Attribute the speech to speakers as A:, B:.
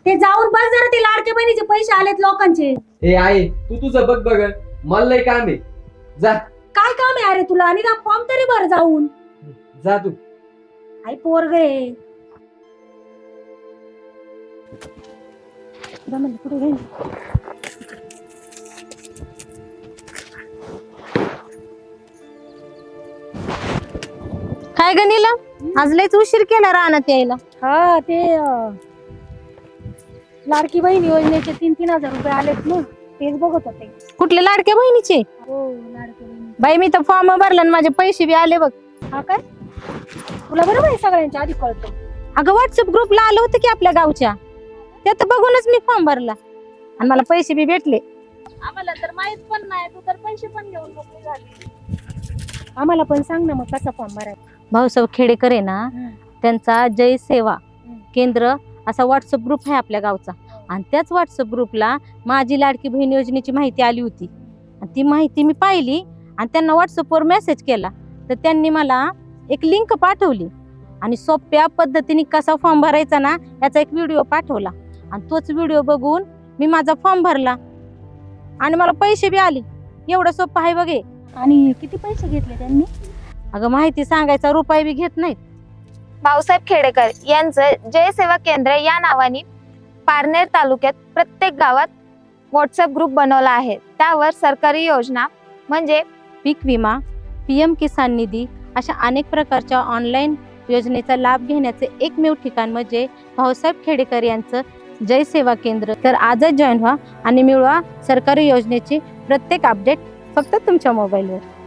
A: ते जाऊन बस जरा, ते लाडक्या बहिणीचे पैसे आलेत लोकांचे.
B: ए आहे तू तुझं बघ बघ, मला लय काम आहे. जा
A: काय काम आहे अरे तुला? आणि फॉर्म तरी भर जाऊन.
B: जा तू.
A: आई पोरग आहे. पुढे घे.
C: काय गणिला आज लयच उशीर केला रानात यायला.
A: हा ते लाडकी बहीण योजनेचे 3,000 रुपये आलेत ना, तेच बघत होते.
C: कुठले लाडक्या बहिणीचे?
A: हो लाडकी बहीण.
C: बाई मी तर फॉर्म भरला आणि माझे पैसे बी आले बघ.
A: हा काय? तुला बरोबर आहे सगळ्यांच्या आधी कळतो.
C: अगं व्हॉट्सअप ग्रुपला आलं होतं की आपल्या गावच्या, त्यात बघूनच मी फॉर्म भरला आणि मला पैसे बी भेटले.
A: आम्हाला तर माहित पण नाही, तू तर पैसे पण घेऊन मोकळी झाली. आम्हाला पण सांग ना मग कसा फॉर्म भरायचा.
C: भाऊसाहेब खेडेकर आहे ना, त्यांचा जय सेवा केंद्र असा व्हॉट्सअप ग्रुप आहे आपल्या गावचा, आणि त्याच व्हॉट्सअप ग्रुपला माझी लाडकी बहीण योजनेची माहिती आली होती. आणि ती माहिती मी पाहिली आणि त्यांना व्हॉट्सअपवर मेसेज केला, तर त्यांनी मला एक लिंक पाठवली आणि सोप्या पद्धतीने कसा फॉर्म भरायचा ना याचा एक व्हिडिओ पाठवला, आणि तोच व्हिडिओ बघून मी माझा फॉर्म भरला आणि मला पैसे बी आले. एवढं सोपं आहे बघे.
A: आणि किती पैसे घेतले त्यांनी?
C: अगं माहिती सांगायचा रुपये बी घेत नाहीत.
D: भाऊसाहेब खेडेकर यांचं जय सेवा केंद्र या नावाने पारनेर तालुक्यात प्रत्येक गावात व्हॉट्सअप ग्रुप बनवला आहे. त्यावर सरकारी योजना म्हणजे
C: पीक विमा, PM किसान निधी अशा अनेक प्रकारच्या ऑनलाईन योजनेचा लाभ घेण्याचे एकमेव ठिकाण म्हणजे भाऊसाहेब खेडेकर यांचं जय सेवा केंद्र. तर आजच जॉईन व्हा आणि मिळवा सरकारी योजनेची प्रत्येक अपडेट फक्त तुमच्या मोबाईलवर.